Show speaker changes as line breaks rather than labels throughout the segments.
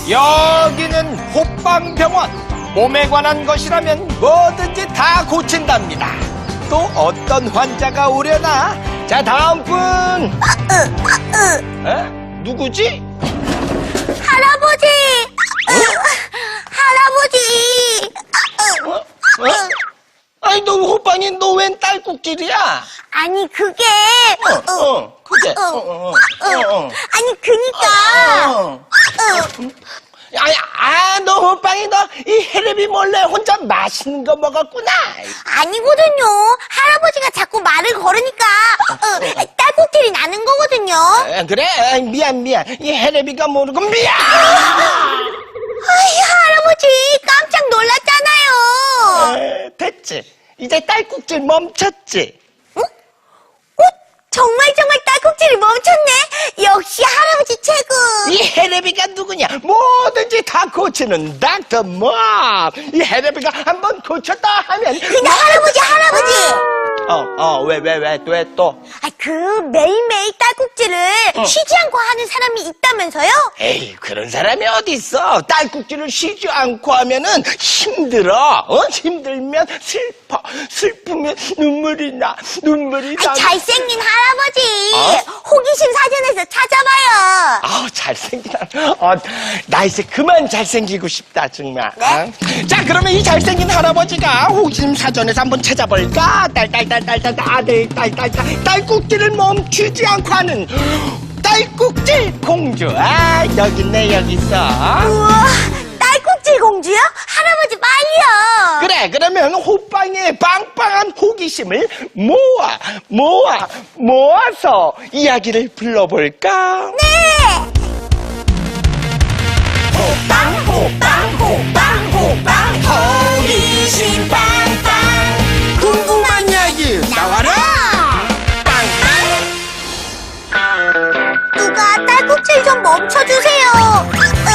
여기는 호빵병원. 몸에 관한 것이라면 뭐든지 다 고친답니다. 또 어떤 환자가 오려나? 자, 다음 분. 누구지?
할아버지! 할아버지!
아니, 너 호빵이 너 웬 딸꾹질이야?
아니, 그게.
그게.
아니, 그니까.
너 호빵이 너 이 헬레비 몰래 혼자 맛있는 거 먹었구나.
아니거든요. 할아버지가 자꾸 말을 걸으니까 딸꾹질이 나는 거거든요.
그래? 미안. 이 헬레비가 모르고 미안.
아이, 할아버지 깜짝 놀랐잖아요.
됐지. 이제 딸꾹질 멈췄지.
정말 딸꾹질이 멈췄네. 역시 할아버지 최고.
이 헬레비가 누구냐? 뭐든지 다 고치는 닥터 멈. 이 헬레비가 한번 고쳤다 하면.
근데 할아버지.
왜 또?
그 매일매일 딸꾹질을 쉬지 않고 하는 사람이 있다면서요?
에이, 그런 사람이 어디 있어? 딸꾹질을 쉬지 않고 하면은 힘들어. 힘들면 슬프면 눈물이 나.
잘생긴 할아버지. 호기심 사전에서 찾아봐요.
잘생긴 나 이제 그만 잘생기고 싶다, 정말.
네?
자, 그러면 이 잘생긴 할아버지가 호기심 사전에서 한번 찾아볼까? 딸꾹질을 멈추지 않고 하는 딸꾹질 공주. 여기 있네, 여기 있어.
우와, 딸꾹질 공주요? 할아버지 빨리요.
그래, 그러면 호빵의 빵빵한 호기심을 모아서 이야기를 불러볼까?
네. 호빵 호기심 빵빵.
궁금한 이야기 나와라.
누가 딸꾹질 좀 멈춰주세요.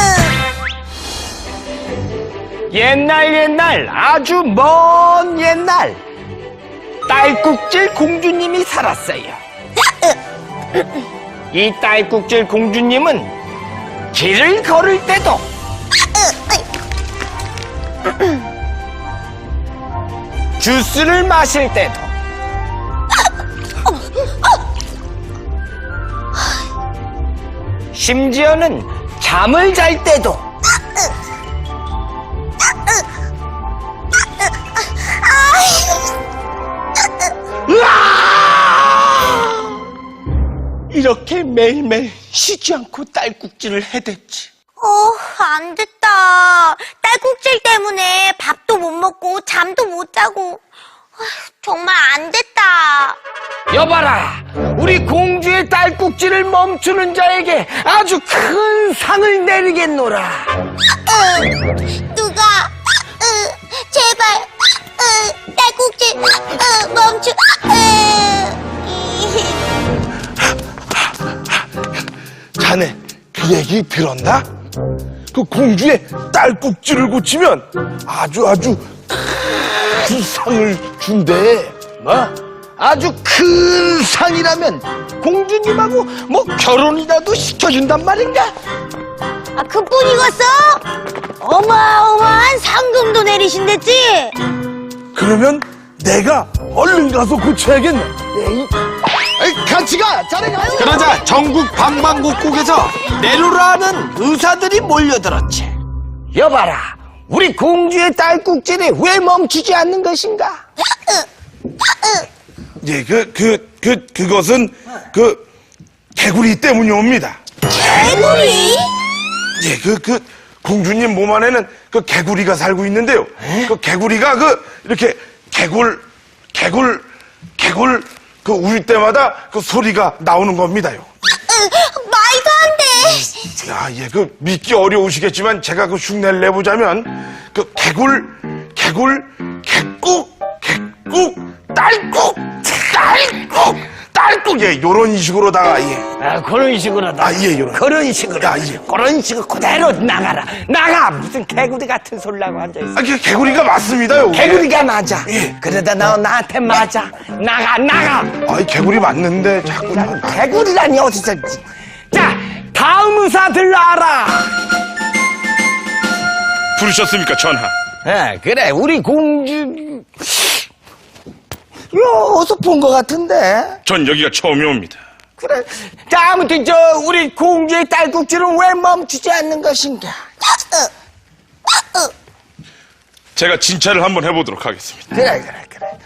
옛날 아주 먼 옛날 딸꾹질 공주님이 살았어요. 이 딸꾹질 공주님은 길을 걸을 때도 주스를 마실 때도 심지어는 잠을 잘 때도 이렇게 매일매일 쉬지 않고 딸꾹질을 해댔지.
안 됐다. 딸꾹질 때문에 밥도 못 먹고 잠도 못 자고. 정말 안 됐다.
여봐라, 우리 공주의 딸꾹질을 멈추는 자에게 아주 큰 상을 내리겠노라.
누가 제발 딸꾹질 멈추.
자네 그 얘기 들었나? 그 공주의 딸꾹질을 고치면 아주 큰 상을 준대.
뭐? 아주 큰 상이라면 공주님하고 뭐 결혼이라도 시켜준단 말인가?
그뿐이겠어? 어마어마한 상금도 내리신댔지?
그러면 내가 얼른 가서 고쳐야겠네.
같이 가! 자네 가요! 그러자 전국 방방곡곡에서 내로라는 의사들이 몰려들었지. 여봐라, 우리 공주의 딸꾹질이 왜 멈추지 않는 것인가?
예, 그것은 개구리 때문이 옵니다.
개구리?
예, 공주님 몸 안에는 개구리가 살고 있는데요. 그 개구리가 이렇게 개굴 울 때마다 소리가 나오는 겁니다요.
말도 안 돼.
야, 예, 믿기 어려우시겠지만 제가 흉내를 내보자면 개꿀, 딸꾹, 예, 요런 식으로다가, 예.
그런 식으로다.
예, 요런.
그런 식으로.
예.
그런 식으로 그대로 나가. 무슨 개구리 같은 소리라고 앉아있어.
개구리가 맞습니다요.
개구리가 맞아.
예.
그러다 너 나한테 맞아. 나가.
개구리 맞는데 자꾸.
개구리라니 어디서. 자, 다음 의사 들러와라.
부르셨습니까, 전하?
아, 그래, 우리 공주. 요, 어디서 본 것 같은데?
전 여기가 처음이옵니다.
그래. 자, 아무튼, 우리 공주의 딸꾹질은 왜 멈추지 않는 것인가?
제가 진찰을 한번 해보도록 하겠습니다.
그래.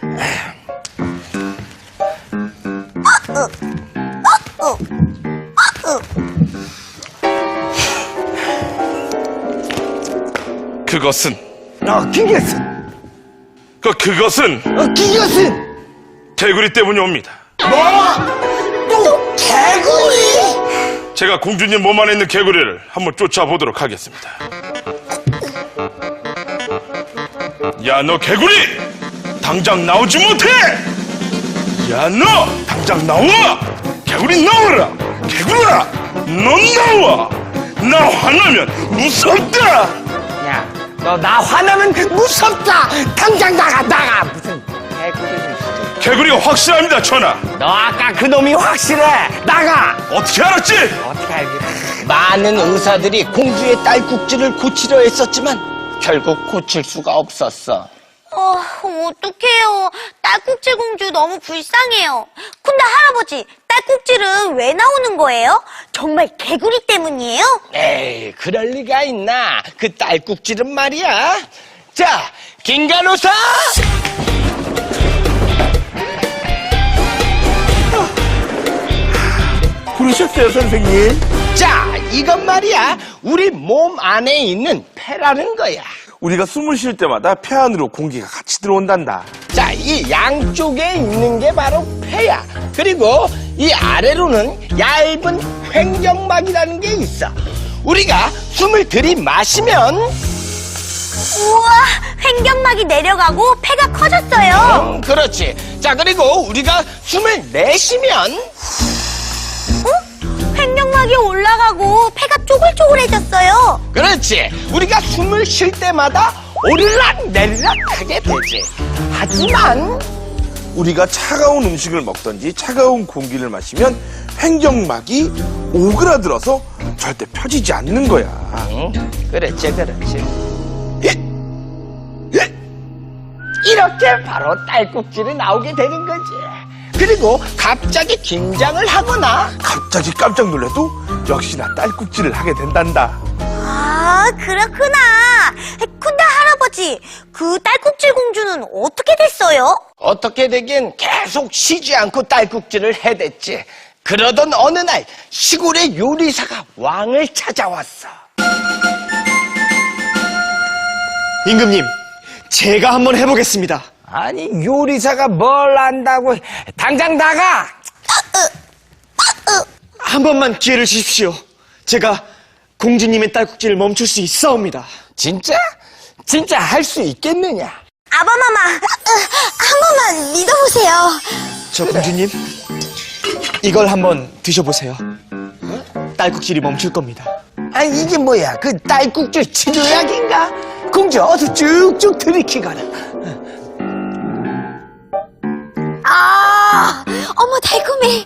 그것은,
기것은.
그것은
기것은.
개구리 때문이 옵니다.
또 개구리?
제가 공주님 몸 안에 있는 개구리를 한번 쫓아보도록 하겠습니다. 야, 너 개구리! 당장 나오지 못해! 야, 너! 당장 나와! 개구리 나와라! 개구리야! 넌 나와! 나 화나면 무섭다!
야, 너 나 화나면 무섭다! 당장 나가! 무슨 개구리를.
개구리가 확실합니다, 전하!
너 아까 그 놈이 확실해! 나가!
어떻게 알았지?
어떻게 알겠어? 많은 의사들이 공주의 딸꾹질을 고치려 했었지만 결국 고칠 수가 없었어.
어떡해요. 딸꾹질 공주 너무 불쌍해요. 근데 할아버지, 딸꾹질은 왜 나오는 거예요? 정말 개구리 때문이에요?
에이, 그럴 리가 있나? 그 딸꾹질은 말이야. 자, 김간호사!
부르셨어요, 선생님?
자, 이건 말이야. 우리 몸 안에 있는 폐라는 거야.
우리가 숨을 쉴 때마다 폐 안으로 공기가 같이 들어온단다.
자, 이 양쪽에 있는 게 바로 폐야. 그리고 이 아래로는 얇은 횡격막이라는 게 있어. 우리가 숨을 들이마시면
우와, 횡격막이 내려가고 폐가 커졌어요.
그렇지. 자, 그리고 우리가 숨을 내쉬면
횡격막이 올라가고 폐가 쪼글쪼글해졌어요.
그렇지. 우리가 숨을 쉴 때마다 오르락 내리락 하게 되지. 하지만
우리가 차가운 음식을 먹던지 차가운 공기를 마시면 횡격막이 오그라들어서 절대 펴지지 않는 거야.
그렇지. 이렇게 바로 딸꾹질이 나오게 되는 거지. 그리고 갑자기 긴장을 하거나
갑자기 깜짝 놀래도 역시나 딸꾹질을 하게 된단다.
아, 그렇구나. 근데 할아버지, 그 딸꾹질 공주는 어떻게 됐어요?
어떻게 되긴 계속 쉬지 않고 딸꾹질을 해댔지. 그러던 어느 날 시골의 요리사가 왕을 찾아왔어.
임금님, 제가 한번 해보겠습니다.
아니, 요리사가 뭘 안다고. 당장 나가!
한 번만 기회를 주십시오. 제가 공주님의 딸꾹질을 멈출 수 있사옵니다.
진짜? 진짜 할 수 있겠느냐?
아바마마, 한 번만 믿어보세요.
저 공주님, 이걸 한번 드셔보세요. 딸꾹질이 멈출 겁니다.
아니, 이게 뭐야? 그 딸꾹질 치료약인가? 공주, 어서 쭉쭉 들이키거라.
어머, 달콤해.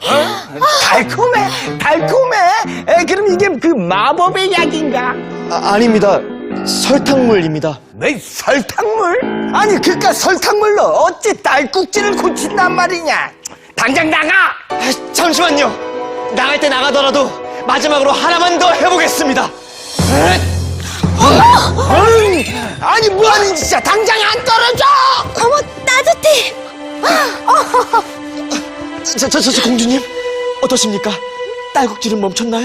달콤해? 그럼 이게 그 마법의 약인가?
아닙니다. 설탕물입니다.
왜 설탕물? 아니, 그깟 설탕물로 어찌 딸꾹질을 고친단 말이냐? 당장 나가!
잠시만요. 나갈 때 나가더라도 마지막으로 하나만 더 해보겠습니다.
아니, 뭐하는 짓이야? 당장 안 떨어져!
어머, 따뜻해.
저 공주님, 어떠십니까? 딸꾹질은 멈췄나요?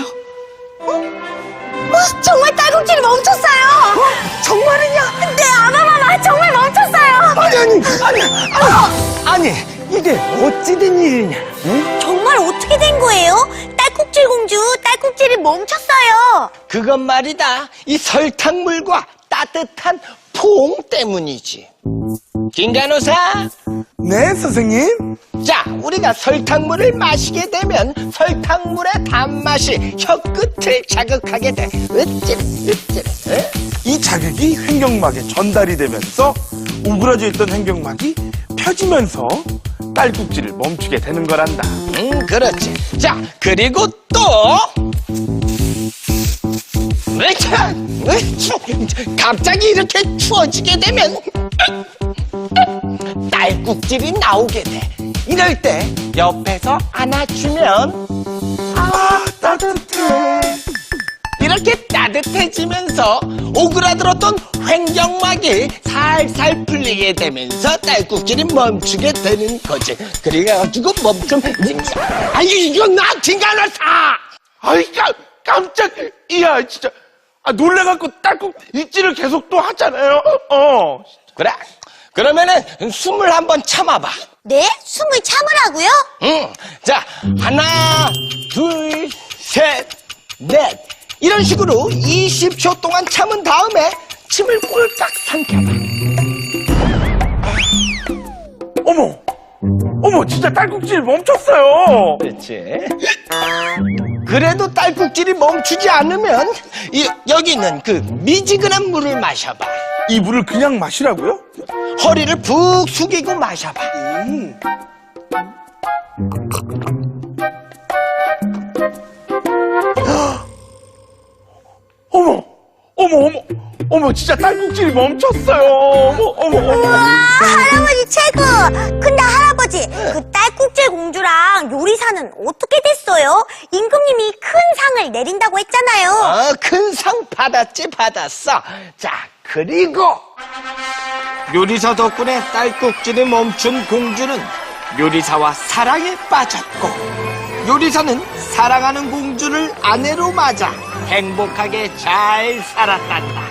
정말 딸꾹질이 멈췄어요.
정말이냐?
네, 아바마마, 정말 멈췄어요.
아니, 이게 어찌된 일이냐? 응?
정말 어떻게 된 거예요? 딸꾹질 공주, 딸꾹질이 멈췄어요.
그건 말이다. 이 설탕물과 따뜻한 포옹 때문이지. 김간호사,
네, 선생님?
자, 우리가 설탕물을 마시게 되면 설탕물의 단맛이 혀끝을 자극하게 돼. 으찌르.
이 자극이 횡격막에 전달이 되면서 오그라져 있던 횡격막이 펴지면서 딸꾹질을 멈추게 되는 거란다.
그렇지. 자, 그리고 또, 으차! 갑자기 이렇게 추워지게 되면 딸꾹질이 나오게 돼. 이럴 때 옆에서 안아주면 따뜻해. 이렇게 따뜻해지면서 오그라들었던 횡격막이 살살 풀리게 되면서 딸꾹질이 멈추게 되는 거지. 그래가지고 아유 이거 나 진간을 사.
아이, 깜짝이야, 진짜. 놀래갖고 딸꾹질을 계속 또 하잖아요.
그래. 그러면은 숨을 한번 참아봐.
네? 숨을 참으라고요?
응. 자, 하나, 둘, 셋, 넷. 이런 식으로 20초 동안 참은 다음에 침을 꼴깍 삼켜봐.
어머, 진짜 딸꾹질 멈췄어요.
그렇지. 그래도 딸꾹질이 멈추지 않으면 여기 있는 그 미지근한 물을 마셔봐.
이 물을 그냥 마시라고요?
허리를 푹 숙이고 마셔봐.
어머, 진짜 딸꾹질이 멈췄어요.
우와, 할아버지 최고! 근데 할아버지, 그 딸꾹질 공주랑 요리사는 어떻게 됐어요? 임금님이 큰 상을 내린다고 했잖아요.
큰 상 받았어. 자, 그리고 요리사 덕분에 딸꾹질이 멈춘 공주는 요리사와 사랑에 빠졌고, 요리사는 사랑하는 공주를 아내로 맞아 행복하게 잘 살았단다.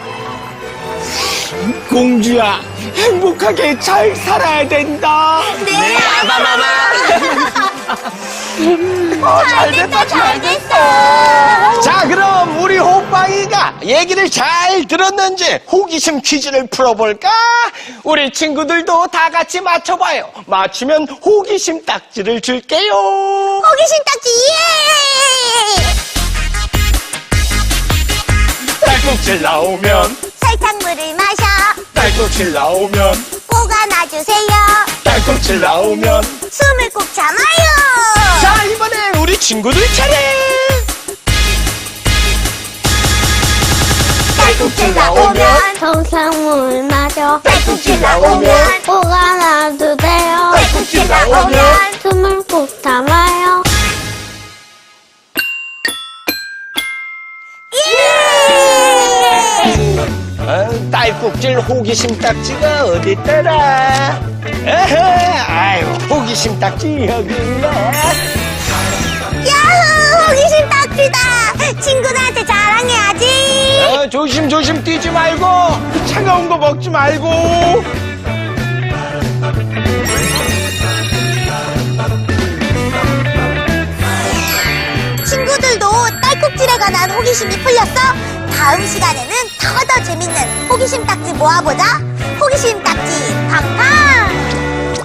공주야, 행복하게 잘 살아야 된다.
네,
아바마마.
잘됐다.
자, 그럼 우리 호빵이가 얘기를 잘 들었는지 호기심 퀴즈를 풀어볼까? 우리 친구들도 다 같이 맞춰봐요. 맞추면 호기심 딱지를 줄게요.
호기심 딱지, 예!
딸꾹질 나오면,
설탕물을 마셔.
딸꾹질 나오면,
꼭 안아주세요.
딸꾹질 나오면.
숨을 꼭 참아요.
자, 이번엔 우리 친구들 차례.
딸꾹질 나오면
정상물 마저
딸꾹질 나오면
꼭 안아주세요.
딸꾹질 나오면
숨을 꼭 참아요.
딸꾹질 호기심 딱지가 어디 있더라? 아유, 호기심 딱지 여기 있네.
야호, 호기심 딱지다. 친구들한테 자랑해야지.
조심 뛰지 말고.
차가운 거 먹지 말고.
친구들도 딸꾹질에 관한 호기심이 풀렸어? 다음 시간에는 더 재밌는 호기심 딱지 모아보자. 호기심 딱지 팡팡.